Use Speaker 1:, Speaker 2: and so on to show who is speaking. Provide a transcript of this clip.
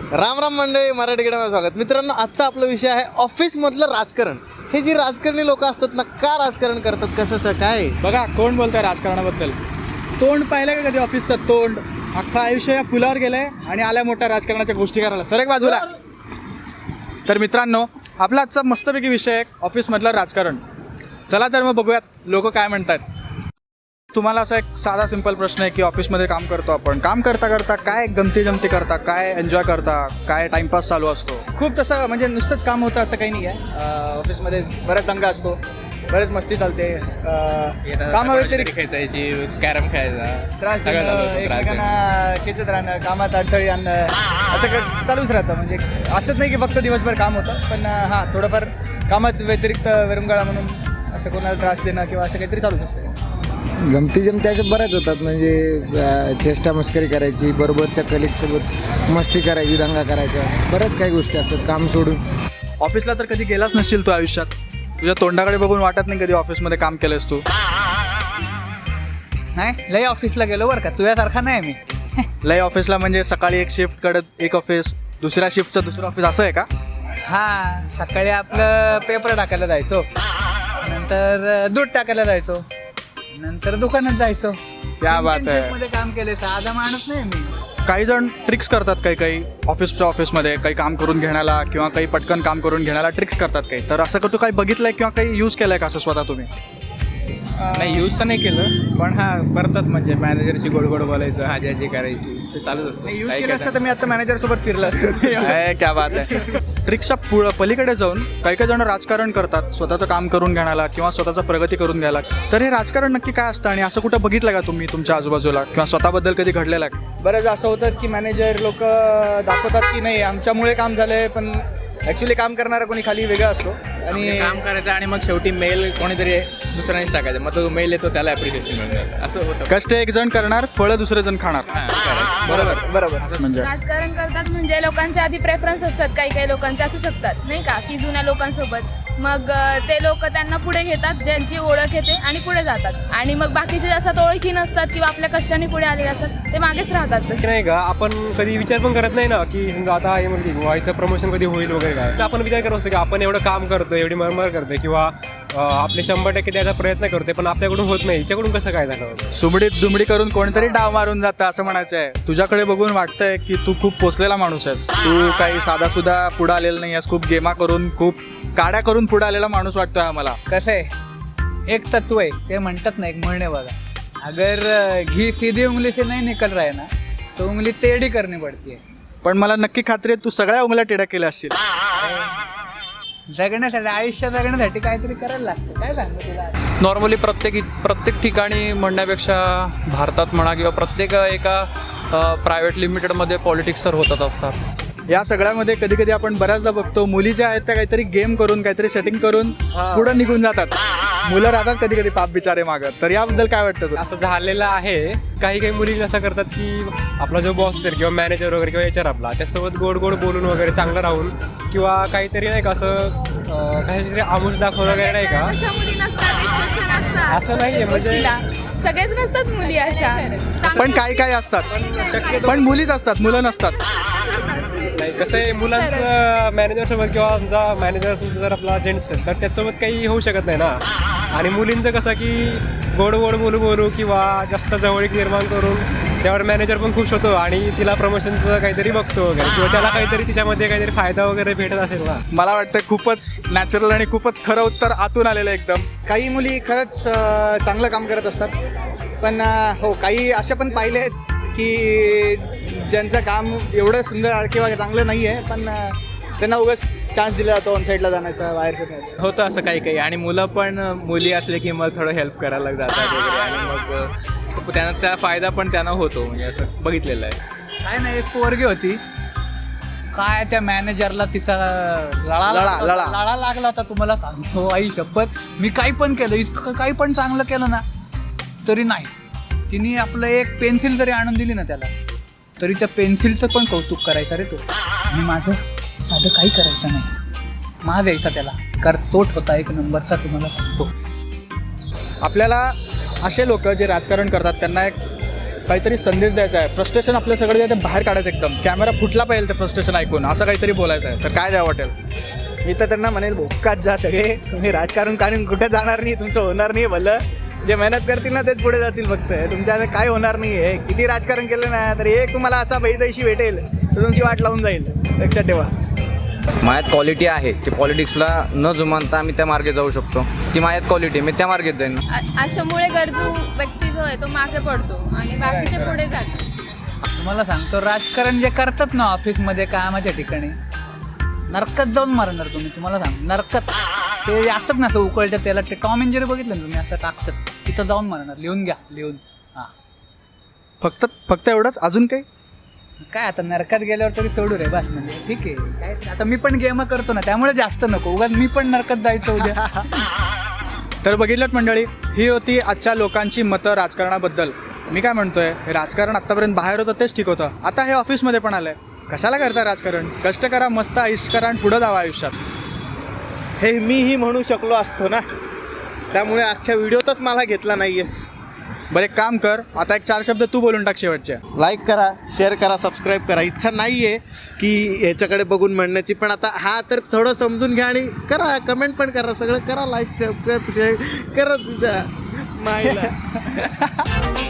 Speaker 1: राम राम मंडळी, मराठी किड्यामध्ये स्वागत. मित्रांनो, आजचा आपला विषय आहे ऑफिसमधलं राजकारण. हे जी राजकारणी लोक असतात ना, का राजकारण करतात, कसं काय?
Speaker 2: बघा, कोण बोलतंय राजकारणाबद्दल? तोंड पाहिलं का कधी ऑफिसचं तोंड? अख्खा आयुष्य या पुलावर गेलंय आणि आल्या मोठ्या राजकारणाच्या गोष्टी करायला. सर एक बाजूला. तर मित्रांनो, आपला आजचा मस्तपैकी विषय आहे ऑफिसमधलं राजकारण. चला तर मग बघूयात लोक काय म्हणतात. तुम्हाला असा एक साधा सिंपल प्रश्न आहे की ऑफिसमध्ये काम करतो आपण, काम करता करता काय गमती जमती करता, काय एन्जॉय करता, काय टाइमपास चालू असतो?
Speaker 3: खूप तसं म्हणजे नुसतंच काम होतं असं काही नाही आहे. ऑफिसमध्ये बराच दंगा असतो, बरेच मस्ती चालते. कामाव्यतिरिक्त
Speaker 4: खेचायची, कॅरम खेळायचा,
Speaker 3: त्रास देणं, एकमेकांना खेचत राहणं, कामात अडथळे आणणं, असं चालूच राहतं. म्हणजे असंच नाही की फक्त दिवसभर काम होतं, पण हां, थोडंफार कामात व्यतिरिक्त विरंगुळा म्हणून असं कोणाला त्रास देणं किंवा असं काहीतरी चालूच असतं.
Speaker 5: गमती जमती अशा बऱ्याच होतात. म्हणजे चेष्टा मस्करी करायची, बरोबरच्या कलिगसोबत मस्ती करायची, दंगा करायचा, बऱ्याच काही गोष्टी असतात काम सोडून.
Speaker 2: ऑफिसला तर कधी गेलाच नसशील तू आयुष्यात. तुझ्या तोंडाकडे बघून वाटत नाही कधी ऑफिसमध्ये काम केलंस तू?
Speaker 6: नाही, लय ऑफिसला गेलो बरं का, तुझ्यासारखा नाही मी.
Speaker 2: लय ऑफिसला म्हणजे सकाळी एक शिफ्ट कडत एक ऑफिस, दुसऱ्या शिफ्टचं दुसरं ऑफिस, असं आहे का?
Speaker 6: हां, सकाळी आपलं पेपर टाकायला जायचो, नंतर दूध टाकायला जायचो, नंतर दुकानात जायचो.
Speaker 2: क्या बात आहे.
Speaker 6: मध्ये काम केले, साधा माणूस नाही मी.
Speaker 2: काही जण ट्रिक्स करतात, काही ऑफिसमध्ये काही काम करून घेण्याला किंवा काही पटकन काम करून घेण्याला ट्रिक्स करतात काही. तर असं तू काही बघितलंय किंवा काही यूज केलंय का असं स्वतः तुम्ही?
Speaker 4: नाही, यूज तर नाही केलं, पण करतात. म्हणजे मॅनेजरशी गोड गोड बोलायचं, हाजी करायची, ते चालूच असतं.
Speaker 3: यूज केलं असतं तर मी आता मॅनेजरसोबत फिरलं असतं.
Speaker 2: क्या बात आहे. ट्रिक्सच्या पलीकडे जाऊन काही जण राजकारण करतात स्वतःचं काम करून घेण्याला किंवा स्वतःचा प्रगती करून घ्यायला. तर हे राजकारण नक्की काय असतं आणि असं कुठं बघितलं का तुम्ही तुमच्या आजूबाजूला किंवा स्वतःबद्दल कधी घडलेलं आहे?
Speaker 3: बरंच असं होतं की मॅनेजर लोक दाखवतात की नाही आमच्यामुळे काम झालंय, पण ॲक्च्युली काम करणारा कोणी खाली वेगळा असतो. आणि
Speaker 4: काम करायचं आणि मग शेवटी मेल कोणीतरी दुसऱ्यानेच टाकायचं, मग तो मेल येतो, त्याला ॲप्रिशिएशन मिळून जातं. असं होतं.
Speaker 2: कष्ट एक जण करणार, फळं दुसरे जण खाणार.
Speaker 3: बरोबर.
Speaker 2: असं म्हणजे
Speaker 7: राजकारण करतात म्हणजे लोकांचे आधी प्रेफरन्स असतात, काही लोकांचे असू शकतात नाही का, की जुन्या लोकांसोबत. मग ते लोक त्यांना पुढे घेतात, ज्यांची ओळख येते, आणि पुढे जातात. आणि मग बाकीचे जास्त ओळखी नसतात किंवा आपल्या कष्टाने पुढे आलेले असतात, ते मागेच राहतात. तसं
Speaker 8: नाही का, आपण कधी विचार पण करत नाही ना की समजा आता हे म्हणजे व्हायचं प्रमोशन कधी होईल वगैरे काय. तर आपण विचार करत असतो की आपण एवढं काम करतोय, एवढी मरमर करतोय किंवा आपले 100% द्यायचा प्रयत्न करतोय, पण आपल्याकडून होत नाही. हिच्याकडून कसं काय झालं?
Speaker 2: सुमडीत दुमडी करून कोणीतरी डाव मारून जातं असं म्हणायचं आहे. तुझ्याकडे बघून वाटतंय की तू खूप पोचलेला माणूस आहेस. तू काही साधा सुद्धा पुढे आलेला नाही आहेस. खूप गेमा करून, खूप काड्या करून पुढे आलेला माणूस वाटतोय आम्हाला.
Speaker 6: कसं आहे, एक तत्व आहे, ते म्हणतात ना, एक म्हणणे बघा, अगर घी सीधी उंगली से नहीं निकल रहा है ना, तो उंगली टेढ़ी करनी पड़ती है.
Speaker 2: पण मला नक्की खात्री आहे तू सगळ्या उंगल्या टेढ्या केल्या असतील.
Speaker 6: जगण्यासाठी, आयुष्य जगण्यासाठी काहीतरी करायला लागतं. काय सांगतो तुला?
Speaker 9: नॉर्मली प्रत्येक ठिकाणी म्हणण्यापेक्षा भारतात म्हणा किंवा प्रत्येक एका प्रायव्हेट लिमिटेडमध्ये पॉलिटिक्स तर होतच असतात.
Speaker 2: या सगळ्यामध्ये कधी कधी आपण बऱ्याचदा बघतो मुली ज्या आहेत त्या काहीतरी गेम करून, काहीतरी सेटिंग करून पुढे निघून जातात. मुलं राहतात कधी कधी पाप बिचारे मागत. तर याबद्दल काय वाटतं?
Speaker 8: असं झालेलं आहे. काही मुली असं करतात की आपला जो बॉस असेल किंवा मॅनेजर वगैरे किंवा HR आपला, त्यासोबत गोड गोड बोलून वगैरे चांगलं राहून किंवा काहीतरी नाही का असं कशाची तरी आमुष दाखवून वगैरे नाही का.
Speaker 7: अशा मुली नसतात, एक्सेप्शन असतात.
Speaker 8: असं नाहीये म्हणजे
Speaker 7: सगळेच नसतात मुली अशा.
Speaker 2: पण काही असतात, पण मुलीच असतात, मुलं नसतात.
Speaker 8: नाही, कसं आहे, मुलांचं मॅनेजरसोबत किंवा आमचा मॅनेजर जर आपला जेंट्स असेल तर त्यासोबत काही होऊ शकत नाही ना. आणि मुलींचं कसं की गोड गोड बोलू किंवा जास्त जवळीक निर्माण करून त्यावर मॅनेजर पण खुश होतो आणि तिला प्रमोशनचं काहीतरी बघतो वगैरे किंवा त्याला काहीतरी तिच्यामध्ये काहीतरी फायदा वगैरे भेटत असेल ना.
Speaker 2: मला वाटतं खूपच नॅचरल आणि खूपच खरं उत्तर आतून आलेलं एकदम.
Speaker 3: काही मुली खरंच चांगलं काम करत असतात, पण हो, काही अशा पण पाहिले आहेत की ज्यांचं काम एवढं सुंदर किंवा चांगलं नाही आहे, पण त्यांना उगाच चान्स दिला जातो ऑन साईडला जाण्याचा, बाहेर फिरण्याचा.
Speaker 4: होतं असं काही. आणि मुलं पण मुली असले की मग थोडं हेल्प करायला जातात वगैरे, आणि मग त्यांना त्या फायदा पण त्यांना होतो. म्हणजे असं बघितलेलं आहे.
Speaker 6: काय नाही, एक पोरगी होती, काय त्या मॅनेजरला तिचा लळा लागला होता. तुम्हाला सांगतो आई शपथ, मी काही पण केलं, इतकं काही पण चांगलं केलं ना तरी नाही. तिने आपलं एक पेन्सिल जरी आणून दिली ना त्याला, तरी त्या पेन्सिलचं पण कौतुक करायचं रे तो. आणि माझं साधं काही करायचं नाही, माज यायचा त्याला, कारण तोट होता एक नंबरचा, तुम्हाला सांगतो.
Speaker 2: आपल्याला असे लोक जे राजकारण करतात त्यांना एक काहीतरी संदेश द्यायचा आहे, फ्रस्ट्रेशन आपलं सगळं जे आहे ते बाहेर काढायचं एकदम, कॅमेरा फुटला पाहिजे ते फ्रस्ट्रेशन ऐकून, असं काहीतरी बोलायचं आहे, तर काय द्यावं वाटेल?
Speaker 3: मी तर त्यांना म्हणेल भोकात जा सगळे, तुम्ही राजकारण काढून कुठे जाणार नाही, तुमचं होणार नाही भलं. जे मेहनत करतील ना तेच पुढे जातील फक्त. तुमच्या आता काय होणार नाही आहे. किती राजकारण केलं ना तर एक तुम्हाला असा बैदैशी भेटेल तर तुमची वाट लावून जाईल, लक्षात ठेवा.
Speaker 10: माझ्यात क्वालिटी आहे की पॉलिटिक्सला न जुमानता मी त्या मार्गे जाऊ शकतो. ती माझ्यात क्वालिटी, मी त्या मार्गेत जाईन.
Speaker 7: अशामुळे गरजू व्यक्ती जो आहे तो मागे पडतो आणि बाकीचे पुढे जातात.
Speaker 6: तुम्हाला सांगतो, राजकारण जे करतात ना ऑफिसमध्ये कामाच्या ठिकाणी, नरकात जाऊन मारणार तुम्ही. तुम्हाला सांग, नरकात ते असतात ना असं उकळतात त्याला, ते टॉम एंड जेरी बघितलं ना तुम्ही, असं टाकतात तिथं जाऊन मारणार. लिहून घ्या, लिहून. हां,
Speaker 2: फक्त एवढंच, अजून काही?
Speaker 6: काय आता नरकात गेल्यावर तरी सोडू रे बस. म्हणजे ठीक आहे, काय आता मी पण गेम करतो ना, त्यामुळे जास्त नको उगाच मी पण नरकात जायचं उद्या.
Speaker 2: तर बघितलं मंडळी, ही होती आजच्या लोकांची मतं राजकारणाबद्दल. मी काय म्हणतोय, राजकारण आत्तापर्यंत बाहेर होतं तेच ठीक होतं, आता हे ऑफिसमध्ये पण आलं आहे. कशाला करता राजकारण? कष्ट करा, मस्त आयुष्य करा आणि पुढं जावं आयुष्यात.
Speaker 1: हे मीही म्हणू शकलो असतो ना, त्यामुळे अख्ख्या व्हिडिओतच मला घेतला नाही आहेस.
Speaker 2: बरं एक काम कर, आता एक 4 शब्द तू बोलून टाक शेवटचे.
Speaker 1: लाईक करा, शेअर करा, सबस्क्राईब करा. इच्छा नाही आहे की ह्याच्याकडे बघून म्हणण्याची, पण आता हा तर थोडं समजून घ्या आणि करा, कमेंट पण करा, सगळं करा, लाईक सबस्क्राईब शेअर करा तुझ्या माईला.